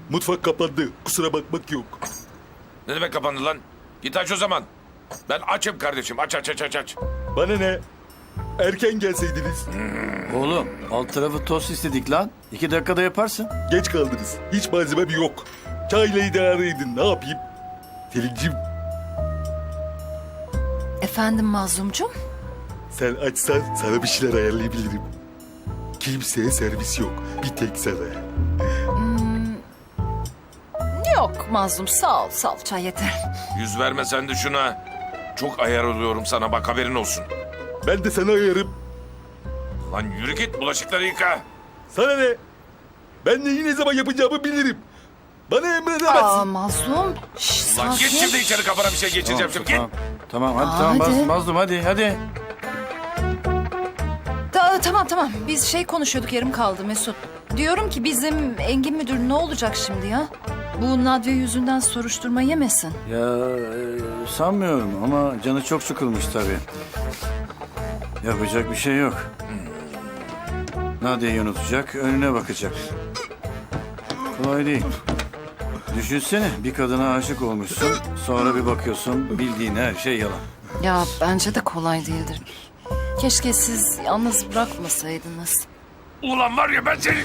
Mutfak kapandı. Kusura bakmak yok. Ne demek kapandı lan? Git aç o zaman. Ben açım kardeşim. Aç aç aç aç aç. Bana ne? Erken gelseydiniz. Oğlum alt tarafı tost istedik lan. 2 dakikada yaparsın. Geç kaldınız. Hiç malzemem yok. Çayla idare edin. Ne yapayım? Selin'cim Efendim Mazlumcum? sen açsan sana bir şeyler ayarlayabilirim. Kimseye servis yok. Bir tek sana. Yok Mazlum sağ ol çay yeter. Yüz verme sen de şuna. Çok ayar oluyorum sana bak haberin olsun. Ben de sana ayarım. Lan yürü git bulaşıkları yıka. Sana ne? Ben neyi ne zaman yapacağımı bilirim. Bana emredemezsin. Aa Mazlum. Şş, Lan git sakin. şimdi içeri kafana bir şey geçireceğim şimdi. Git. Tamam. Tamam hadi Aa, tamam hadi. Mazlum hadi. Tamam biz şey konuşuyorduk yarım kaldı Mesut. Diyorum ki bizim Engin müdür ne olacak şimdi ya? Bu Nadya yüzünden soruşturma yemesin. Ya sanmıyorum ama canı çok sıkılmış tabii. Yapacak bir şey yok. Nadia'yı unutacak, önüne bakacak. Kolay değil. Düşünsene bir kadına aşık olmuşsun, sonra bir bakıyorsun bildiğin her şey yalan. Ya bence de kolay değildir. Keşke siz yalnız bırakmasaydınız. Ulan var ya ben seni...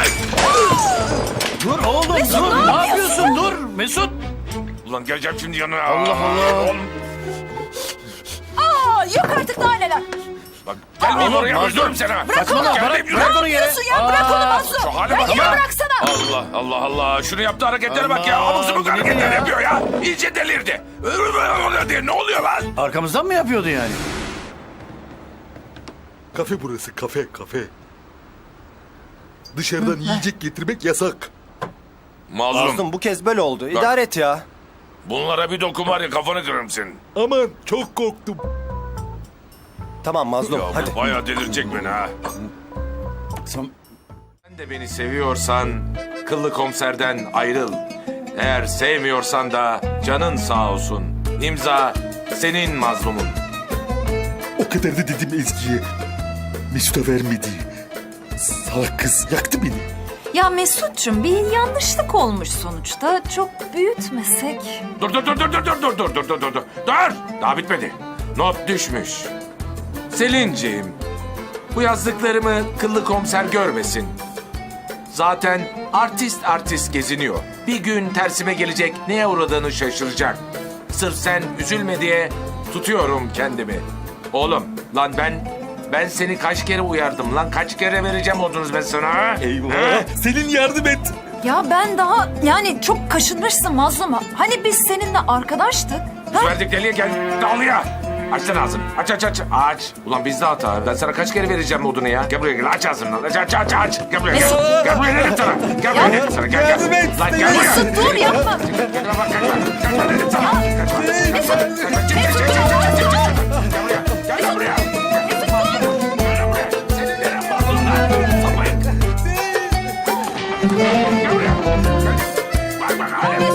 Dur oğlum dur, ne yapıyorsun dur Mesut. Ulan geleceğim şimdi yanına. Allah Allah. Oğlum Aa yok artık daha neler. bak gelmeyeyim Oğlum, oraya Mazlum. öldürürüm seni. ha. Saçmalama Gelmeyeyim, bırak, yürü. bırak onu yere. Bırak onu Mazlum. Şu hale bak Ya ya. bıraksana. Allah Allah Allah. Şunu yaptığı hareketlere bak ya. Allah, Abuk sabuk bu ne hareketler ya? yapıyor ya. İyice delirdi. Diye ne oluyor lan? Arkamızdan mı yapıyordu yani? Kafe burası kafe. Dışarıdan yiyecek getirmek yasak. Mazlum. Mazlum bu kez böyle oldu. İdare et ya. Bunlara bir dokun var ya kafanı kırarım senin. Aman çok korktum. Tamam Mazlum Ya hadi. bu bayağı delirecek beni ha. Sen... Sen de beni seviyorsan kıllı komiserden ayrıl. Eğer sevmiyorsan da canın sağ olsun. İmza senin mazlumun. O kadar da dedim Ezgi'ye. Mesut'a vermedi. Salak kız yaktı beni. Ya Mesut'cum bir yanlışlık olmuş sonuçta. Çok büyütmesek. Dur. Dur. Daha bitmedi. Not düşmüş. Selinciğim, bu yazdıklarımı kıllı komiser görmesin. Zaten artist geziniyor. Bir gün tersime gelecek, neye uğradığını şaşıracak. Sırf sen üzülme diye tutuyorum kendimi. Oğlum, lan ben seni kaç kere uyardım lan? Kaç kere vereceğim odunuz ben sana ha? Eyvah. Selin yardım et. Ya ben daha yani çok kaşınmışsın Mazlum. Hani biz seninle arkadaştık. Ha? Verdik deliye gel, dağılıya. Aç lan ağzını. Aç. Ulan bizde hata. Ben sana kaç kere vereceğim odunu ya? Gel buraya gel. Aç ağzını lan. Aç. Gel buraya gel. Gel buraya dedim sana. Gel buraya dedim sana. Gel. Yardım et. Lan gel buraya. Mesut dur yapma. Gel buraya. Senin neren var lan? Sapayın. Gel buraya. Bak hala.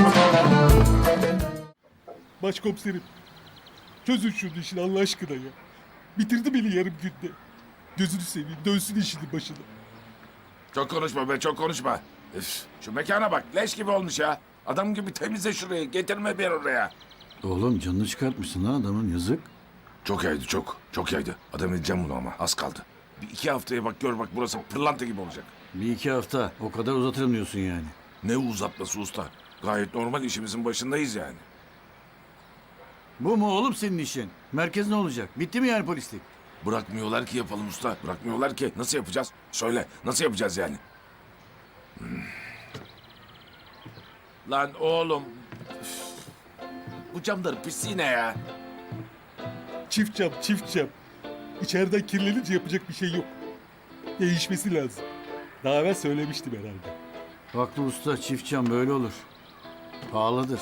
Başkomiserim. Çözün şunu işini Allah aşkına ya. Bitirdi beni yarım günde. Gözünü seveyim dönsün işinin başına. Çok konuşma be çok konuşma. Üf, şu mekana bak leş gibi olmuş ya. Adam gibi temizle şurayı getirme bir oraya. Oğlum canını çıkartmışsın lan adamın yazık. Çok yaydı çok. Çok yaydı. Adam edeceğim bunu ama az kaldı. Bir iki haftaya bak gör bak burası pırlanta gibi olacak. 1-2 hafta o kadar uzatırım diyorsun yani. Ne uzatması usta. Gayet normal işimizin başındayız yani. Bu mu oğlum senin işin? Merkez ne olacak? Bitti mi yani polislik? Bırakmıyorlar ki yapalım usta. Bırakmıyorlar ki. Nasıl yapacağız? Söyle. Nasıl yapacağız yani? Lan oğlum. Üf. Bu camların pisliği ne ya? Çift cam. İçeriden kirlenince yapacak bir şey yok. Değişmesi lazım. Daha evvel söylemiştim herhalde. Haklı usta çift cam böyle olur. Pahalıdır.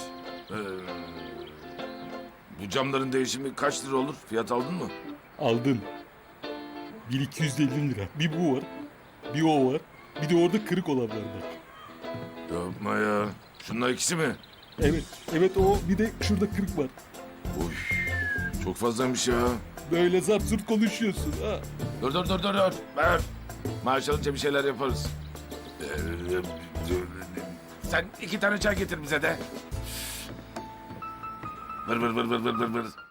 Bu camların değişimi kaç lira olur? Fiyat aldın mı? Aldın. 1250 lira. Bir bu var. Bir o var. Bir de orada kırık olanlar var. Yapma ya. Şunlar ikisi mi? Evet o. Bir de şurada kırık var. Oy. Çok fazlaymış ya. Böyle zart zurt konuşuyorsun ha. Dur. Ver. Maaş alınca bir şeyler yaparız. Sen 2 tane çay getir bize de. Vır vır vır vır vır vır vır.